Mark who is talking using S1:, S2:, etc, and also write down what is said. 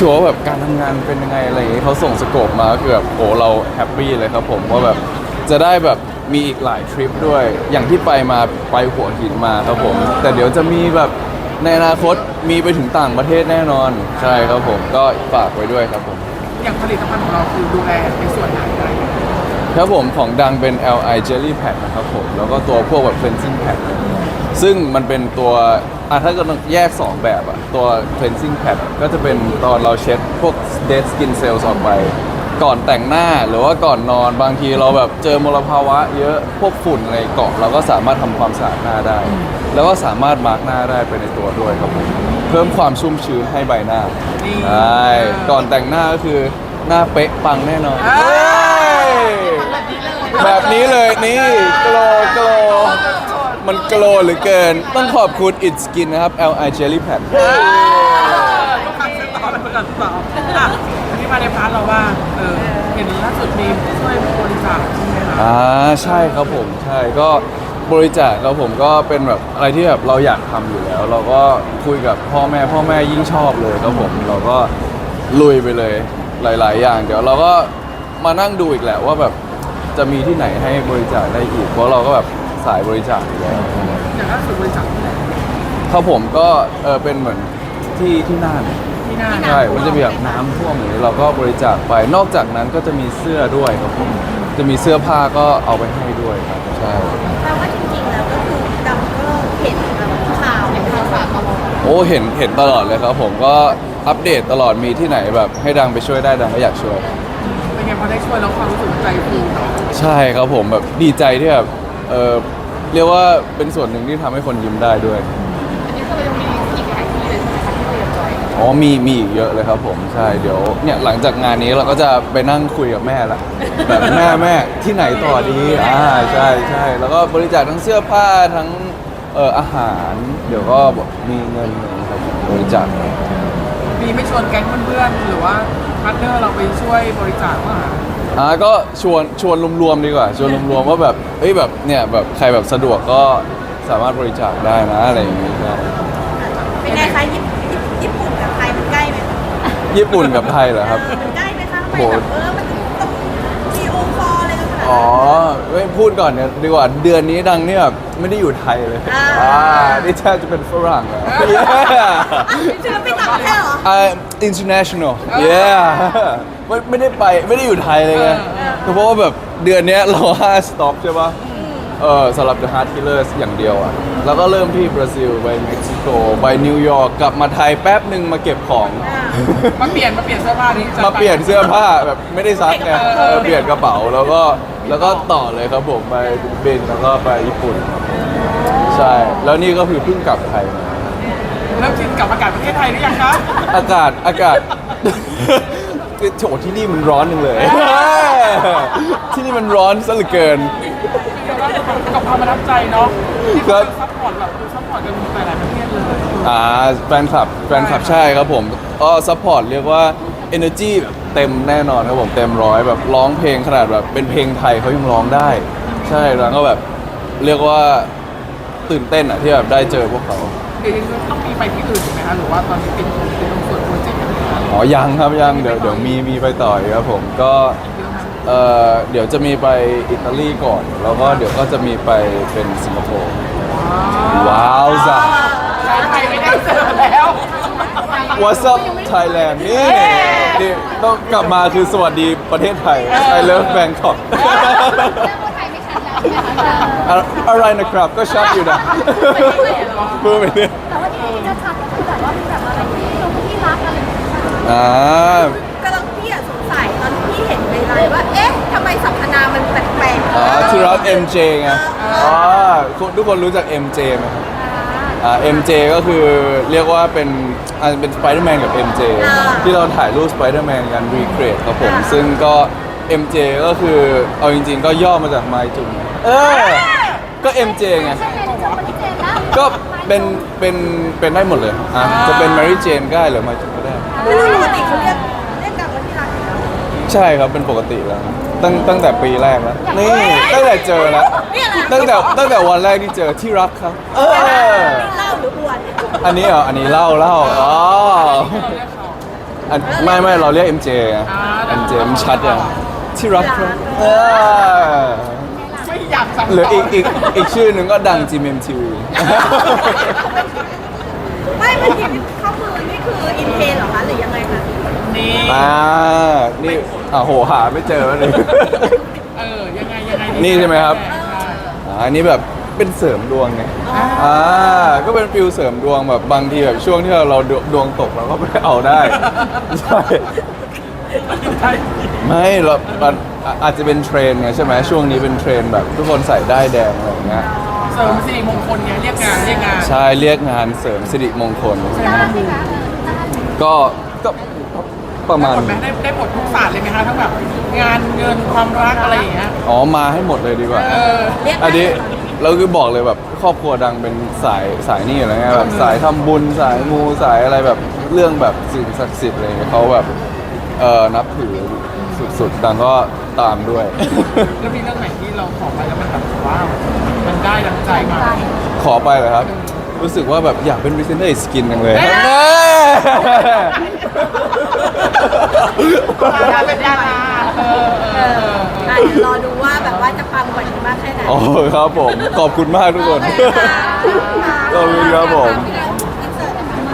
S1: ชัวร์ว่าแบบการทำงานเป็นยังไงอะไรอย่างงี้เขาส่งสโคปมาก็คือแบบโอ้เราแฮปปี้เลยครับผมว่าแบบจะได้แบบมีอีกหลายทริปด้วยอย่างที่ไปหัวหินมาครับผมแต่เดี๋ยวจะมีแบบในอนาคตมีไปถึงต่างประเทศแน่นอนใช่ครับผมก็ฝากไว้ด้วยครับผม
S2: อย่างผลิตภัณฑ์ของเราคือดูแลในส่วนไหนอะไรอย่างเงี้ย
S1: ครับผมของดังเป็น LI Jelly Pad นะครับผมแล้วก็ตัวพวกแบบ cleansing pad ซึ่งมันเป็นตัวถ้าเกิดแยก 2 แบบอะตัว cleansing pad ก็จะเป็นตอนเราเช็ดพวก dead skin cells ออกไปก่อนแต่งหน้าหรือว่าก่อนนอนบางทีเราแบบเจอมลภาวะเยอะพวกฝุ่นอะไรเกาะเราก็สามารถทำความสะอาดหน้าได้ แล้วก็สามารถมาร์กหน้าได้ไปในตัวด้วยครับผมเพิ่มความชุ่มชื้นให้ใบหน้าใช่ก่อนแต่งหน้าก็คือหน้าเป๊ะปังแน่นอนแบบนี้เลยนี่โกลโกลมันโกลเหลือเกินต้องขอบคุณ It Skin นะครับ LI Jelly Pad
S2: ลูกค้าซื้อต่อเป็นประกันต่ออันนี้มาในพาร์ทเราว่าเห็นล่าสุดมีช่วยบริจาคใช่ไหมคะ
S1: ใช่ครับผมใช่ก็บริจาคครับผมก็เป็นแบบอะไรที่แบบเราอยากทำอยู่แล้ว เราก็คุยกับพ่อแม่ยิ่งชอบเลยครับผมเราก็ลุยไปเลยหลายๆอย่างเดี๋ยวเราก็มานั่งดูอีกแหละว่าแบบจะมีที่ไหนให้บริจาคได้อีกเพราะเราก็แบบสายบริจาคอยู่แล้ว
S2: อย่างล่าสุดบริจาคที่ไหน
S1: ครับผมก็เป็นเหมือนที่น่านใช่มันจะมีแบบน้ำท่วมอย่างนี้เราก็บริจาคไปนอกจากนั้นก็จะมีเสื้อด้วยครับผมจะมีเสื้อผ้าก็เอาไปให้ด้วยครับใช่
S3: แปลว่าจริงๆแล้วก็คือดำก็เห็นข่าวตลอด
S1: โอ้เห็นตลอดเลยครับผมก็อัปเดตตลอดมีที่ไหนแบบให้ดังไปช่วยได้ดังก็อยากช่วย
S2: เป็นไงพอได้ช่วยแล้วความรู้สึกใจฟูเนาะ
S1: ใช่ครับผมแบบดีใจที่แบบเรียกว่าเป็นส่วนหนึ่งที่ทำให้คนยิ้มได้ด้วย
S3: อันนี้คือเรายังมีอีกหลายที่เลยใช่ไหมคะที่เราอยากจอย
S1: อ๋อมีอีกเยอะเลยครับผมใช่เดี๋ยวเนี่ยหลังจากงานนี้เราก็จะไปนั่งคุยกับแม่ละแบบแม่ที่ไหนต่อดีใช่แล้วก็บริจาคทั้งเสื้อผ้าทั้งอาหารเดี๋ยวก็มีเงินครับบริจาค
S2: มีไม่ชวนแก๊งเพื่อนๆหรือว่าพาร์ทเนอร์เราไปช่วยบริจาคว่า
S1: ก็ชวนรวมๆดีกว่าชวนรวมๆว่าแบบแบบเนี่ยแบบใครแบบสะดวกก็สามารถบริจาคได้นะอะไรอย่างเงี้ย
S3: เป็นไงคะญี่ปุ่นกับไทยมันใกล้ไหม
S1: ญี่ปุ่นกับไทยเหรอครับ
S3: มันใกล้ไหมคะทำไมแบบมันต้องวีโอคอลอะไรกันขนาด
S1: นั้นไม่พูดก่อนเนี่ยดีกว่าเดือนนี้ดังเนี่ยแบบไม่ได้อยู่ไทยเลยนี่แทบจะเป็นฝรั่งแล้ว
S3: จะไปต่างประเทศเหรอ
S1: international yeah ไม่ได้อยู่ไทยเลยไงเพราะว่าแบบเดือนนี้เรา5 สต็อปใช่ปะสำหรับ The Heart Killers อย่างเดียวอ่ะแล้วก็เริ่มที่บราซิลไปเม็กซิโกไปนิวยอร์กกลับมาไทยแป๊บหนึ่งมาเก็บของ
S2: มาเปลี่ยนเสื้อผ้านี้
S1: มาเปลี่ยนเสื้อผ้าแบบไม่ได้ซักไงเปลี่ยนกระเป๋าแล้วก็ต่อเลยครับผมไปบินแล้วก็ไปญี่ปุ่นใช่แล้วนี่ก็คือเพิ่งกลับไทยมา
S2: เริ่มชินกับอากาศประเทศไทยหรือยังคะ
S1: อากาศโถที่นี่มันร้อนนึงเลยที่นี่มันร้อนซะเหลือเกิน
S2: กับความประทับใจเนาะที่เขาซัพพอร์ตแบบซัพพอร์ตกันหลายประเทศเลย
S1: แฟนคลับใช่ครับผมก็ซัพพอร์ตเรียกว่า energy แบบเต็มแน่นอนครับผมเต็มร้อยแบบร้องเพลงขนาดแบบเป็นเพลงไทยเขายังร้องได้ใช่แล้วก็แบบเรียกว่าตื่นเต้นที่แบบได้เจอพวกเขา
S2: ต้องมีไปที่อื่นถูกไหมคะหรือว่าตอนนี้เป็นตรงส่วนโปรเจกต์
S1: ยังครับยังเดี๋ยวมีไปต่อครับผมก็เดี๋ยวจะมีไปอิตาลีก่อนแล้วก็เดี๋ยวก็จะมีไปเป็นสิงคโปร์ว้าวจ้ะ
S2: ไทยไม่ได้เจอแล้ว
S1: What's up Thailand นี่ต้องกลับมาคือสวัสดีประเทศไทย I love Bangkok อะไรนะครับก็ชัดอยู่นะพูดไปเนี่ย
S3: แต่ว่าที่จะชัดก็คือแบบว่ามีแบบอะไรที่รักอะไรกำลังพี่สงสัยตอนที่เห็นในไลน์ว่าเอ๊ะทำไมสรรพนามมันแปลกๆ
S1: ที่รัก MJ ไงทุกคนรู้จัก MJ ไหมครับMJ ก็คือเรียกว่าเป็นสไปเดอร์แมนกับ MJ ที่เราถ่ายรูปสไปเดอร์แมนกันรีเครทครับผมซึ่งก็ MJ ก็คือเอาจริงๆก็ย่อมาจากไมจุนก็ MJ ไงก็เป็นได้หมดเลยจะเป็น Mary Jane ก็ได้หรือไมจุนก็ได้
S3: ปกติเขาเรียกกันว่าที่รัก
S1: ใช่ครับเป็นปกติแล้วตั้งแต่ปีแรกแล้วนี่ตั้งแต่เจอแล้วตั้งแต่วันแรกที่เจอที่รักครับ
S3: เล่าหรืออวด
S1: อันนี้เล่าไม่เราเรียก MJ ไง MJ มันชัดอย่างที่รักครับ
S2: ไม่อยากสั่ง
S1: หรืออีกชื่อหนึ่งก็ดัง GMMTV
S3: ไม่เมื่อกี้เข้ามือนี่คืออินเทนเหรอคะหรือยังไงคะ
S2: นี่
S1: นี่โหหาไม่เจอเลย
S2: ยังไง
S1: นี่ใช่ไหมครับ อันนี้แบบเป็นเสริมดวงไงก็เป็นฟิลเสริมดวงแบบบางทีแบบช่วงที่เราดวงตกเราก็ไปเอาได้ใช่
S2: ใช่
S1: ไม่เรามันอาจจะเป็นเทรนด์ไงใช่ไหมช่วงนี้เป็นเทรนด์แบบทุกคนใส่ได้ายแดงอะไรอย่างเงี้ย
S2: เสริมสิริมงคลไงเรียกงาน
S1: ใช่เรียกงานเสริมสิริมงคล
S3: ต้านไหมคะต้าน
S1: ก็ประมาณ
S2: ผลไหมได้ผลทุกศาสตร์เลยไหมคะทั้งแบบงานเงินความรักอะไรอย่างเงี้ย
S1: มาให้หมดเลยดีกว่า
S3: เรียก
S1: อันนี้เราคือบอกเลยแบบครอบครัวดังเป็นสายนี่อะไรเงี้ยแบบสายทำบุญสายมูสายอะไรแบบเรื่องแบบสิ่งศักดิ์สิทธิ์อะไรเงี้ยเขาแบบนับถือสุดๆดังก็ตามด้วย
S2: แล้วมีเรื่องไหนที่เราขอไปแล้วมันแบบว้าวมันได้ดังใจมา
S1: ขอไปเลยครับ รู้สึกว่าแบบอยากเป็นพรีเซนเตอร์สกินจังเลย
S2: ดาเป็นดารา
S3: เดี๋ยวรอดูว่าแบบว่าจะปังกว่านี้มากแค่ไหน
S1: โอ้ครับผม ขอบคุณมากทุกคน ขอบคุณครับผม
S3: พี่